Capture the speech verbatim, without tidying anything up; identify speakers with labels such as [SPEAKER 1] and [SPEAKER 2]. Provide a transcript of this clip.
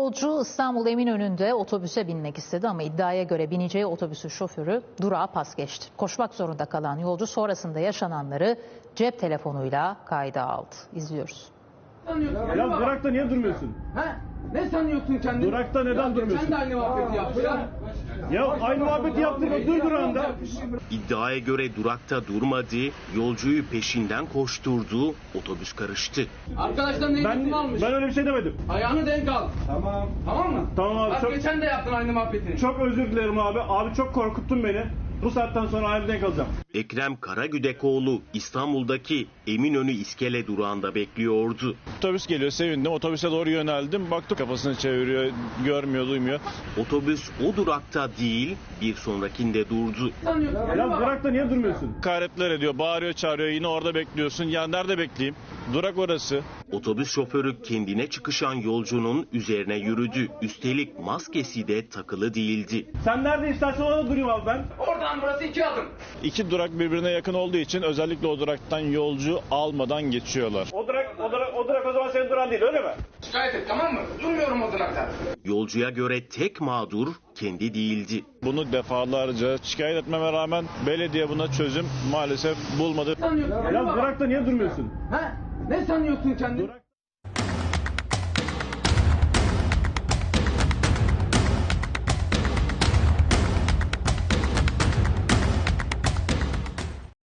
[SPEAKER 1] Yolcu İstanbul Eminönü'nde otobüse binmek istedi ama iddiaya göre bineceği otobüsün şoförü durağa pas geçti. Koşmak zorunda kalan yolcu sonrasında yaşananları cep telefonuyla kayda aldı. İzliyoruz.
[SPEAKER 2] Ya durakta niye durmuyorsun?
[SPEAKER 3] Ha? Ne sanıyorsun kendini?
[SPEAKER 2] Durakta neden
[SPEAKER 3] ya,
[SPEAKER 2] durmuyorsun?
[SPEAKER 3] Sen de aynı muhabbeti yapmışlar.
[SPEAKER 2] Ya aynı muhabbeti yaptırma, dur durağında.
[SPEAKER 4] İddiaya göre durakta durmadı, yolcuyu peşinden koşturdu, otobüs karıştı.
[SPEAKER 3] Arkadaşlar ne
[SPEAKER 2] Ben,
[SPEAKER 3] eğitim almış?
[SPEAKER 2] ben öyle bir şey demedim.
[SPEAKER 3] Ayağını denk al. Tamam. Tamam mı?
[SPEAKER 2] Tamam abi,
[SPEAKER 3] Bak
[SPEAKER 2] çok-
[SPEAKER 3] geçen de yaptın aynı muhabbetini.
[SPEAKER 2] Çok özür dilerim abi. Abi çok korkuttun beni. Bu saatten sonra ayağımdan kalacağım.
[SPEAKER 4] Ekrem Karagüdekoğlu İstanbul'daki Eminönü İskele durağında bekliyordu.
[SPEAKER 5] Otobüs geliyor, sevindim. Otobüse doğru yöneldim. Baktım kafasını çeviriyor, görmüyor, duymuyor.
[SPEAKER 4] Otobüs o durakta değil, bir sonrakinde durdu.
[SPEAKER 3] Sanıyorsun.
[SPEAKER 2] Ya durakta niye durmuyorsun?
[SPEAKER 5] Hakaretler ediyor, bağırıyor, çağırıyor. Yine orada bekliyorsun. Ya nerede bekleyeyim? Durak orası.
[SPEAKER 4] Otobüs şoförü kendine çıkışan yolcunun üzerine yürüdü. Üstelik maskesi de takılı değildi.
[SPEAKER 2] Sen nerede istersen orada durayım abi ben.
[SPEAKER 3] Oradan burası iki adım.
[SPEAKER 5] İki durak birbirine yakın olduğu için özellikle o duraktan yolcu almadan geçiyorlar.
[SPEAKER 2] O durak, o durak, o durak o zaman senin duran değil, öyle mi?
[SPEAKER 3] Şikayet et, tamam mı? Durmuyorum o durakta.
[SPEAKER 4] Yolcuya göre tek mağdur kendi değildi.
[SPEAKER 5] Bunu defalarca şikayet etmeme rağmen belediye buna çözüm maalesef bulmadı.
[SPEAKER 3] Sanıyorsun.
[SPEAKER 2] Ya durakta niye durmuyorsun?
[SPEAKER 3] Ha? Ne sanıyorsun kendini?
[SPEAKER 2] Durak...